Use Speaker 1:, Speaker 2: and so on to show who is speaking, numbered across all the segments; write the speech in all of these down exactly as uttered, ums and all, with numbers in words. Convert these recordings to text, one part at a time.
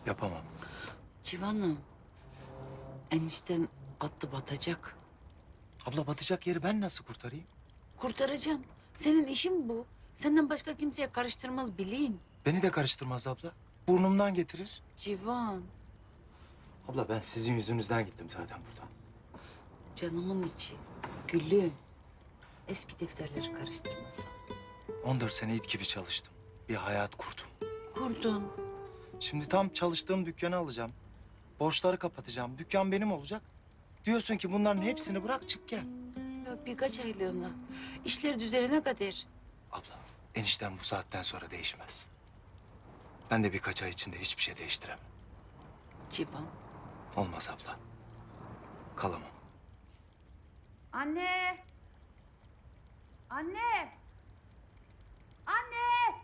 Speaker 1: Yapamam.
Speaker 2: Civan'ım, enişten attı batacak.
Speaker 1: Abla batacak yeri ben nasıl kurtarayım?
Speaker 2: Kurtaracaksın. Senin işin bu. Senden başka kimseye karıştırmaz bilin.
Speaker 1: Beni de karıştırmaz abla. Burnumdan getirir.
Speaker 2: Civan,
Speaker 1: Abla ben sizin yüzünüzden gittim zaten buradan.
Speaker 2: canımın içi, gülüm. Eski defterleri karıştırmasın.
Speaker 1: on dört sene it gibi çalıştım. Bir hayat kurdum.
Speaker 2: Kurdun.
Speaker 1: Şimdi tam çalıştığım dükkanı alacağım. Borçları kapatacağım. Dükkan benim olacak. Diyorsun ki bunların hepsini bırak çık gel.
Speaker 2: Ya birkaç aylığına. İşler düzelene kadar.
Speaker 1: Abla enişten bu saatten sonra değişmez. Ben de birkaç ay içinde hiçbir şey değiştiremem.
Speaker 2: Civan,
Speaker 1: Olmaz abla. Kalamam.
Speaker 3: Anne! Anne! Anne!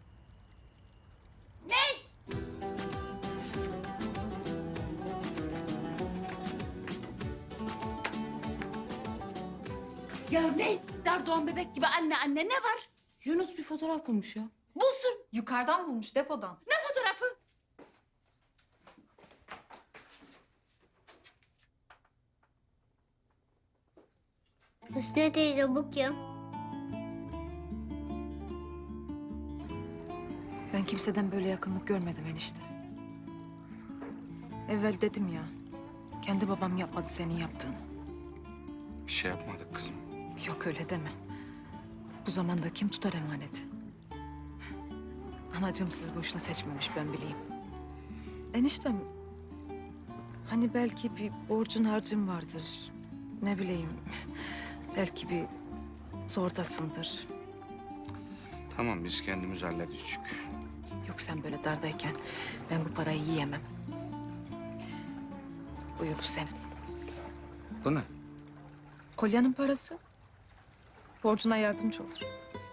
Speaker 2: ya ne? Dardoğan bebek gibi anne anne ne var?
Speaker 3: Yunus bir fotoğraf bulmuş ya.
Speaker 2: Bulsun.
Speaker 3: Yukarıdan bulmuş depodan.
Speaker 2: Ne fotoğrafı?
Speaker 4: Hüsnü teyze bu kim?
Speaker 5: Ben kimseden böyle yakınlık görmedim enişte. Evvel dedim ya, kendi babam yapmadı senin yaptığını.
Speaker 6: Bir şey yapmadık kızım.
Speaker 5: Yok öyle deme. Bu zamanda kim tutar emaneti? Anacığım siz boşuna seçmemiş ben bileyim. Eniştem, hani belki bir borcun harcın vardır. Ne bileyim, belki bir zordasındır.
Speaker 6: Tamam biz kendimiz halledeceğiz.
Speaker 5: Yok sen böyle dardayken ben bu parayı yiyemem. Buyur bu senin.
Speaker 6: Bu ne?
Speaker 5: Kolyanın parası. Borcuna yardımcı olur.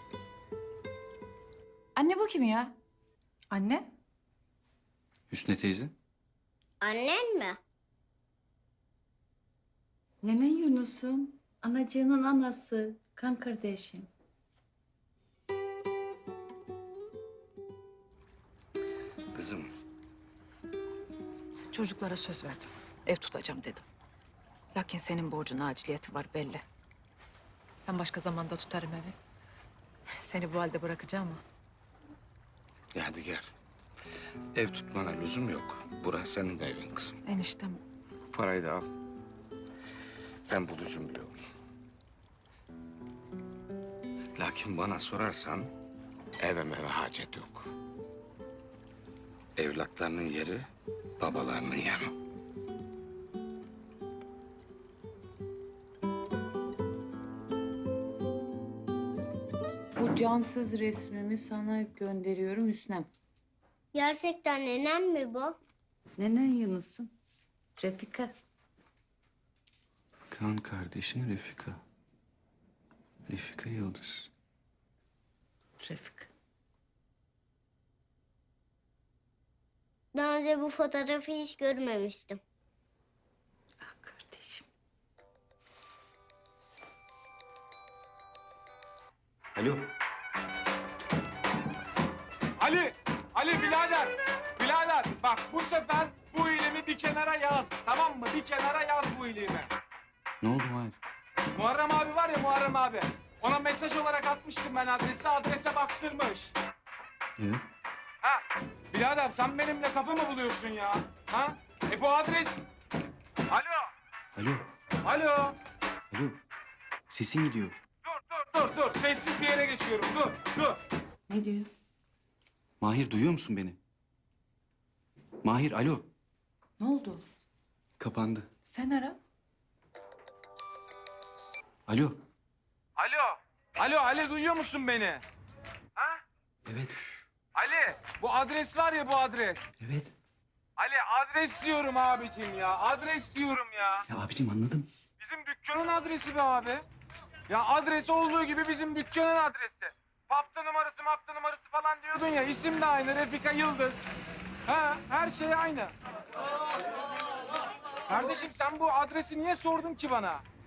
Speaker 3: Anne bu kim ya? Anne?
Speaker 6: Hüsnü teyze.
Speaker 4: Annen mi?
Speaker 2: Nenen Yunus'um. Anacığının anası. Kan kardeşim.
Speaker 6: Kızım
Speaker 5: Çocuklara söz verdim. Ev tutacağım dedim. Lakin senin borcun aciliyeti var belli. Ben başka zamanda tutarım evi. Seni bu halde bırakacağım ama.
Speaker 6: ya hadi gel. Ev tutmana lüzum yok. Burası senin de evin kızım.
Speaker 5: Eniştem
Speaker 6: Parayı da al. Ben bulucum bir yol. Lakin bana sorarsan eve meve hacet yok. Evlatlarının yeri babalarının yanı.
Speaker 2: Bu cansız resmimi sana gönderiyorum Hüsnem.
Speaker 4: Gerçekten nenem mi bu?
Speaker 2: Nenen Yunus'um. Refika.
Speaker 6: Kan kardeşin Refika. Refika Yıldız.
Speaker 2: Refika.
Speaker 4: Daha önce bu fotoğrafı hiç görmemiştim.
Speaker 2: Ah kardeşim.
Speaker 1: Alo.
Speaker 7: Ali! Ali birader! Birader bak bu sefer bu ilimi bir kenara yaz. Tamam mı? Bir kenara yaz bu ilimi.
Speaker 6: Ne oldu Mahir?
Speaker 7: Muharrem abi var ya Muharrem abi. Ona mesaj olarak atmıştım ben adresi. Adrese baktırmış.
Speaker 6: Evet.
Speaker 7: Ha? Birader sen benimle kafa mı buluyorsun ya? Ha? E bu adres... Alo!
Speaker 8: Alo,
Speaker 7: Alo!
Speaker 8: alo. Sesin gidiyor.
Speaker 7: Dur dur dur dur. Sessiz bir yere geçiyorum. Dur dur.
Speaker 2: Ne diyor?
Speaker 8: Mahir duyuyor musun beni? Mahir alo.
Speaker 2: Ne oldu?
Speaker 8: Kapandı.
Speaker 2: Sen ara.
Speaker 8: Alo.
Speaker 7: Alo! Alo Ali duyuyor musun beni? Ha?
Speaker 8: Evet,
Speaker 7: Ali bu adres var ya bu adres.
Speaker 8: evet.
Speaker 7: Ali adres diyorum abicim ya. Adres diyorum ya.
Speaker 8: Ya abicim anladım.
Speaker 7: Bizim dükkanın adresi be abi. Ya adres olduğu gibi bizim dükkanın adresi. Papta numarası mapta numarası falan diyordun ya. İsim de aynı Refika Yıldız. Ha, her şey aynı. Kardeşim sen bu adresi niye sordun ki bana?